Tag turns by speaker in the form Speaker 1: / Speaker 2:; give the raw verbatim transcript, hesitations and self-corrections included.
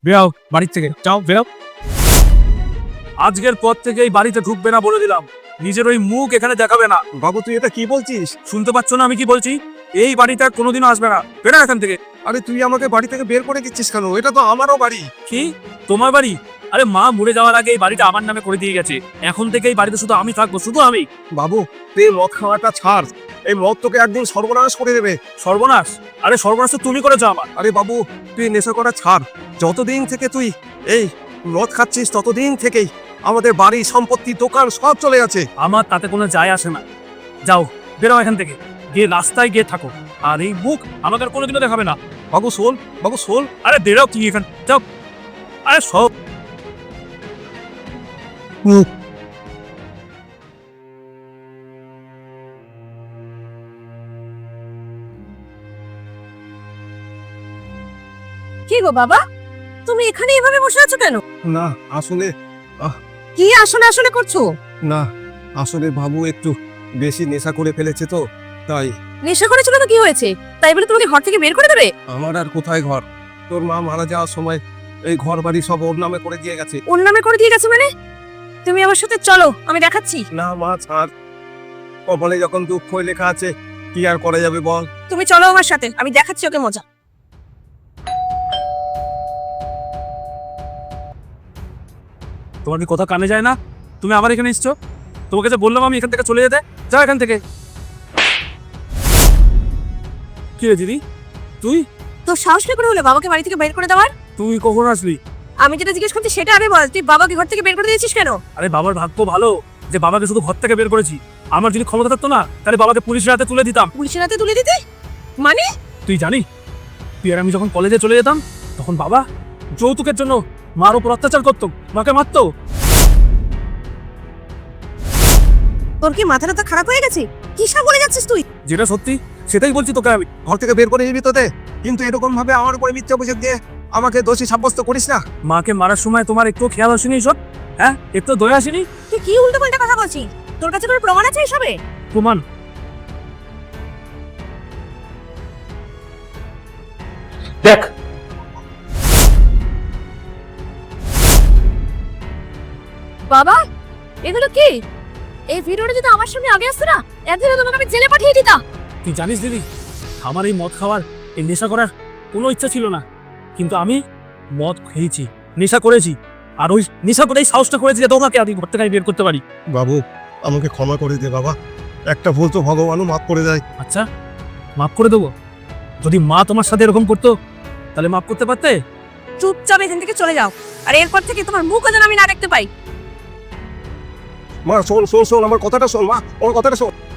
Speaker 1: বেরাও বাড়ির থেকে, যাও বেরাও। আজকের পর থেকে এই বাড়িতে ঢুকবে না বলে দিলাম। নিজের ওই মুখ এখানে দেখাবে না।
Speaker 2: বাবু তুই এটা কি বলছিস?
Speaker 1: শুনতে পাচ্ছ না আমি কি বলছি? এই বাড়িতে আর কোনোদিনও আসবে না, বেরা এখান থেকে।
Speaker 2: আরে তুই আমাকে বাড়ি থেকে বের করে দিচ্ছিস কেন? এটা তো আমারও বাড়ি।
Speaker 1: কি তোমার বাড়ি? আরে মা মরে যাওয়ার আগে এই বাড়িটা আমার নামে করে দিয়ে গেছে। এখন থেকে এই বাড়িতে শুধু আমি থাকবো, শুধু আমি।
Speaker 2: বাবু তুই মদ খাওয়াটা ছাড়, এই মদ তোকে একদিন সর্বনাশ করে দেবে।
Speaker 1: সর্বনাশ? আরে সর্বনাশ তো তুমি করেছো আমার।
Speaker 2: আরে বাবু তুই নেশা করা ছাড়। যতদিন থেকে তুই এই মদ খাচ্ছিস ততদিন থেকেই আমাদের বাড়ি সম্পত্তি দোকান সব চলে গেছে।
Speaker 1: আমার তাতে কোনো যায় আসে না। যাও বেরো এখান থেকে, গিয়ে রাস্তায় গিয়ে থাকো। আর এই মুখ আমাকে আর কোনোদিনও দেখাবে না।
Speaker 2: বাবু শোন, বাবু শোন।
Speaker 1: আরে বেরো কি এখান, যাও। আরে সব
Speaker 3: কি গো বাবা, তুমি এখানে এভাবে বসে আছো কেন?
Speaker 2: না আসলে
Speaker 3: কি আসলে আসলে করছো?
Speaker 2: না আসলে বাবু একটু বেশি নেশা করে ফেলেছে তো তাই।
Speaker 3: নেশা করেছিল তো কি হয়েছে? তাই বলে তোমাকে ঘর থেকে বের করে দেবে?
Speaker 2: আমার আর কোথায় ঘর? তোর মা মারা যাওয়ার সময় এই ঘর বাড়ি সব ওর নামে করে দিয়ে গেছে।
Speaker 3: ওর নামে করে দিয়ে গেছে মানে? তুমি আমার সাথে চলো, আমি দেখাচ্ছি।
Speaker 2: না মা ছাড়, কপালে যখন দুঃখ লেখা আছে কি আর করা যাবে বল।
Speaker 3: তুমি চলো আমার সাথে, আমি দেখাচ্ছি ওকে মজা।
Speaker 1: তোমার কি কথা কানে যায় না? তুমি আবার এখানে এসছো? তোমাকে যে বললাম আমি এখান থেকে চলে যেতে, যাও এখান থেকে। কি রে দিদি, তুই
Speaker 3: তো সাহস কি করে হলো বাবাকে বাড়ি থেকে বের করে দেওয়ার?
Speaker 1: তুই কখন আসলি?
Speaker 3: আমি যেটা জিজ্ঞেস করছি সেটা আরে বল, তুই বাবাকে ঘর থেকে বের করে দিয়েছিস কেন?
Speaker 1: আরে বাবার ভাগ্য ভালো যে বাবাকে শুধু ঘর থেকে বের করেছি। আমার যদি ক্ষমতা থাকতো না তাহলে বাবাকে পুলিশের হাতে তুলে দিতাম।
Speaker 3: পুলিশের হাতে তুলে দিতে মানে?
Speaker 1: তুই জানি, তুই আর আমি যখন কলেজে চলে যেতাম তখন বাবা যৌতুকের জন্য মার উপর অত্যাচার করতো, মাকে মারতো।
Speaker 3: তোর কি মাথাটা তো খারাপ হয়ে গেছে? কি সব বলে যাচ্ছিস তুই?
Speaker 1: যেটা সত্যি সেটাই বলছি তোকে আমি।
Speaker 2: ঘর থেকে বের করে নিবি তোতে, কিন্তু এরকম ভাবে আমার উপরে মিথ্যা অভিযোগ দিয়ে আমাকে দোষী সাব্যস্ত করিস না।
Speaker 1: মাকে মারার সময় তোমার একটু খেয়াল আসেনি সব? হ্যাঁ, একটু দয়া আসেনি?
Speaker 3: তুই কি উল্টো পাল্টা কথা বলছিস? তোর কাছে কোনো প্রমাণ আছে এসবে?
Speaker 1: প্রমাণ? দেখ
Speaker 3: বাবা, এগুলো কি? এই ভিডিওটা যদি আমার সামনে আগে আসতো না, একদিনে তোমাকে আমি জেলে পাঠিয়ে দিতাম।
Speaker 1: তুই জানিস দিদি, আমার এই মদ খাওয়ার, এই নেশা করার কোনো ইচ্ছা ছিল না, কিন্তু আমি মদ খেয়েছি, নেশা করেছি, আর ওই নেশা করেই সাহসটা করেছি যে তোমাকে আমি ঘর থেকে বের করতে পারি।
Speaker 2: বাবু আমাকে ক্ষমা করে দে বাবা, একটা ভুল তো ভগবানও মাফ করে দেয়।
Speaker 1: আচ্ছা, মাফ করে দেবো? যদি মা তোমার সাথে এরকম করতো তাহলে মাফ করতে পারতে?
Speaker 3: চুপচাপ এখান থেকে চলে যাও, আর এরপর থেকে তোমার মুখও যেন আমি না দেখতে পাই।
Speaker 2: মা শোন শোন শোন আমার কথাটা শোন, মা আমার কথাটা শোন।